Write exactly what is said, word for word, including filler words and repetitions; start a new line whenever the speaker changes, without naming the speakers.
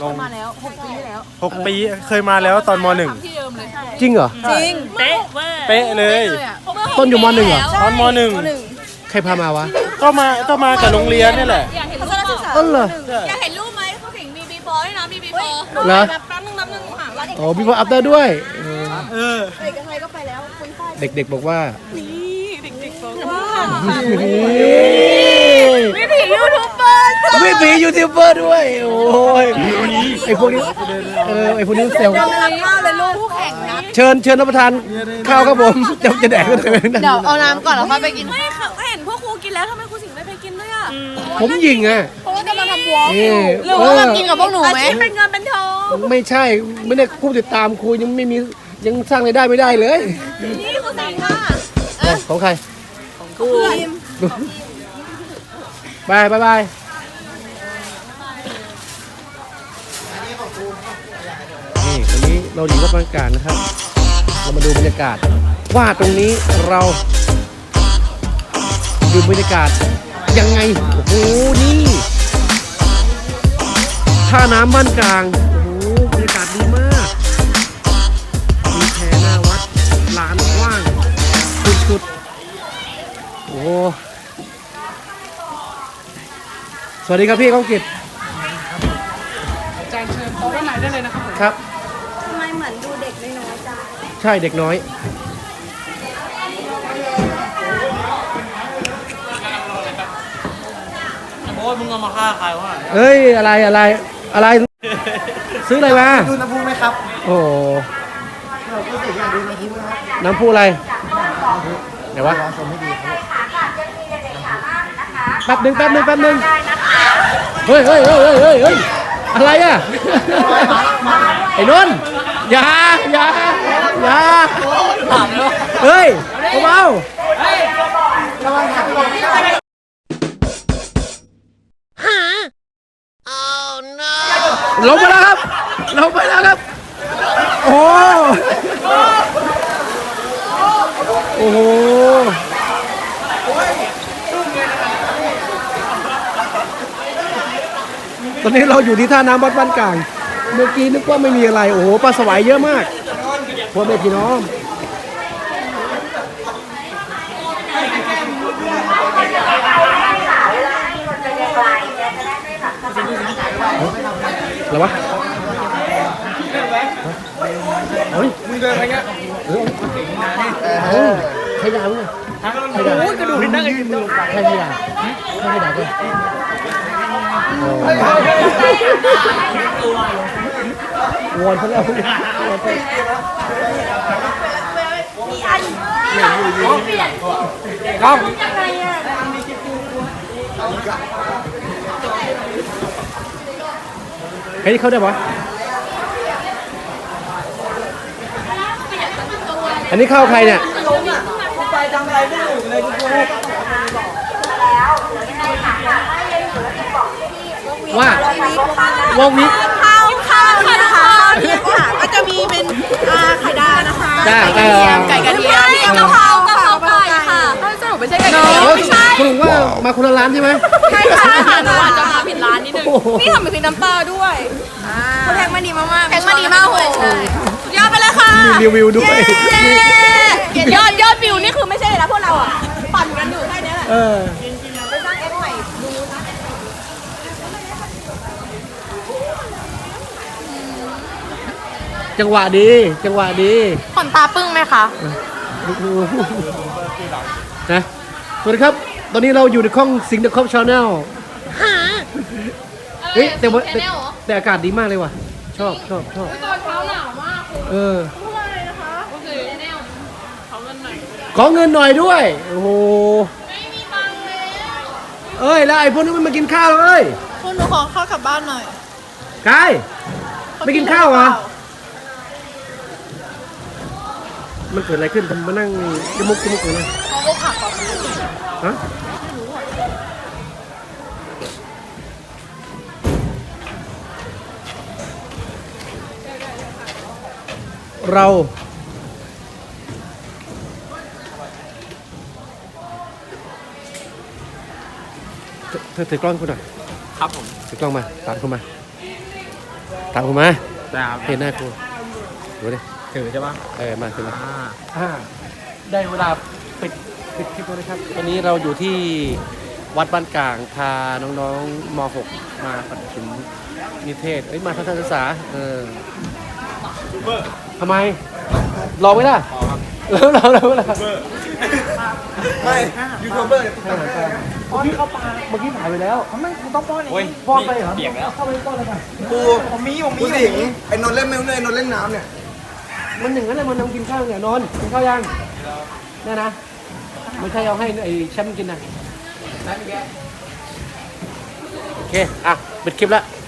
ลง
มาแล้วหกปีที่แล้ว
หกปีเคยมาแล้วตอนมหนึ่ง
ที่เดิมเลย
จริงเหรอ
จริง
เป๊ะเว้ย
เป๊ะเลย
ต้นอยู่มหนึ่งเหรอ
ตอนมหนึ่ง
ใครพามาวะ
ก็มาก็มากับโรงเรียนนี่แหละ
อยากเห็นรูปเปล่า
ต้นเหรอ
อยากเห็นรูปไหมเขาถึงมีบีบอยนะมีบีบอย
เหรอ
นับนับนึงนับนึงห่างแล้ว
อ๋อพี่พ่ออัพเดอร์ด้วยเออ
เออ
เด็กกับใครก็ไปแล้วคุยค่าย
เด็กๆบอกว่า
เด็กๆบอกว่า
เฮ้
วิถียูทูบเบอร์
ไม่มียูทูบเบอร์ด้วย โอ้ยไอพวกนี้เออไอพวกนี้เซลล์
รักมากเลยลูกผู้แข่งนะ
เชิญเชิญรับประทานข้าวครับผมจะจะแดกกันเลยนะ
เดี๋ยวเอาน้ำก่อนแล้วค่อยไปกินไม่ค่ะเห็นพวกครูกินแล้วทำไมครูสิงห์ไม่ไปกินด้วยอ่ะ
ผมยิงอ่ะ
เพราะว่าจะมาทำวอล์ก
นี่
หรือว่ามากินกับพวกหนูไหมเป็นเงินเป็นทอง
ไม่ใช่ไม่ได้ผู้ติดตามครูยังไม่มียังสร้างรายได้ไม่ได้เลย
นี่ครูสิงห์ค่ะ
เอ้ยของใคร
ครู
บายบายบายนี่วันนี้เราอยู่วัดบางการนะครับ เรามาดูบรรยากาศว่าตรงนี้เราดูบรรยากาศยังไงโอ้โหนี่ท่าน้ำบ้านกลางโอ้โหบรรยากาศดีมากมีแพหน้าวัดลานกว้างสุดๆโอ้โหสวัสดีครับพี่ก้องกิจอาจารย์เชิญโต๊ะด้านไหนได้เลยนะครับครับทำไมเหมือนดูเด็กน้อยจ้าใช่เด็กน้อย
โอ้ยมึงเอามาฆ่าใครวะ
เอ้ยอะไรอะไรอะไรซื้ออะไรมา
ดูน้ำพุไหมครับ
โอ้โห
เราก็อยากดูน้ำพุนะครับ
น้ำพุอะไรไหนวะ
ลองชมให้ดีครับ
แป๊บหนึงแป๊บหนึงแป๊บหนึงเฮ้ยเฮ้ยเฮ้ยเฮ้ยเฮ้ยเฮ้ยอะไรอ่ะไอ้นนท์อย่าอย่าอย่าเฮ้ยเบาๆลงไปแล้วครับลงไปแล้วครับโอ้โอ้โหตอนนี้เราอยู่ที่ท่าน้ำวัดบ้านกลางเมื่อกี้นึกว่าไม่มีอะไรโอ้โหปลาสวายเยอะมากพ่อแม่พี่น้องอะไรวะเฮ้ยมึงเดินอะไรเงี้ยเออใครด่ามึงอ่ะใครด่าโอ้ยกระดูกนี่นั่งไอ้มือใครไม่ด่าใครไม่ด่ากันวอนเขาแล้วครับเฮ้ยเข้าได้ปะอันนี้เข้าใครเนี่ยว่าวงนี้
ข้าวข้าวนี่นะคะเนี่ยค่ะก็จะมีเป็นอ่าไข่ดาวนะคะ
จ้า
ไก่กระเทียมไก่กระเทียมกะเพรากะเพราไก่ค่ะสรุปไม่ใช่ไก่กระเทียมไม่ใช่
คุณว่ามาคนละร้านใช่ไหม
ใช่ค่ะหนูอาจจะมาผิดร้านนิดนึงนี่ทำเป็นพริกน้ำปลาด้วยเขาแพงมาดีมากๆแพงมาดีมากโหยอดไปเลยค่ะ
มีรีวิวด้วย
ยอดยอดวิวนี่คือไม่ใช่เลยนะพวกเราอ่ะปั่นกันอยู่แค่นี้แหละ
เออ
ไปสร้างเอฟใหม่ดูนะ
จังหวะดี จังหวะดี
ขนตาปึ้งไหมคะ
นะสวัสดีครับ ตอนนี้เราอยู่ในห้องสิงห์เดอะคอปชาแนลเฮ้ยแต่ว่าแต่แต่อากาศดีมากเลยว่ะ ชอบชอบชอบ
ตอนเช้าหนาวมาก
เออ
พูดอะไรนะคะโอเคแนวขอเงินหน่อย
ขอเงินหน่อยด้วย โอ้โห
ไม่มีตังค์แล้ว
เอ้ย แล้วไอ้พวกนี้มันมากินข้าวเอ้ย
คุณหนูขอข้าวกลับบ้านหน่อย
กายไม่กินข้าวเหรอมันเกิดอะไรขึ้นทำมานั่งจมุกจมุกเลยนะ
เขาก็ผักก่อน
ฮะเราเธอถือกล้องคุณหน่อย
ครับผม
ถือกล้องมาตามคุณมาถามผมมา
แต่
เห็นหน้าครูดูดิ
ถือใช่ปะ
เออมาขึ้นมา
อ่า
อ่าได้เวลาปิดปิดคลิปแล้วนะครับวันนี้เราอยู่ที่วัดบ้านกลางพาน้องๆม .หก มาปฐมนิเทศเอ้ยมาทัศนศึกษาเออทำไมรอไว้ล่ะแล้วเราแล้วล่ะ
ไม่ยูทูบเบอร์เนี่ย
เมื่อกี้เขาปาเมื่อกี้ถ่ายไปแล้ว
ไม่กูต้องป้อนเอง
ป้อนไปเหรอเปียกแล้วเข้าไปป้อนเลยป่ะ
กูผมมีผมมีสิงไอ้นนท์เล่นไม่เล่นนนท์เล่นน้ำเนี่ย
มันหนึ่งนั่นแหละมันนำกินข้าวเนี่ยนอนกินข้าวยังเนี่ยนะไม่ใช่เอาให้ไอ้แชมป์กินนะโอเคอ่ะปิดคลิปแล้ว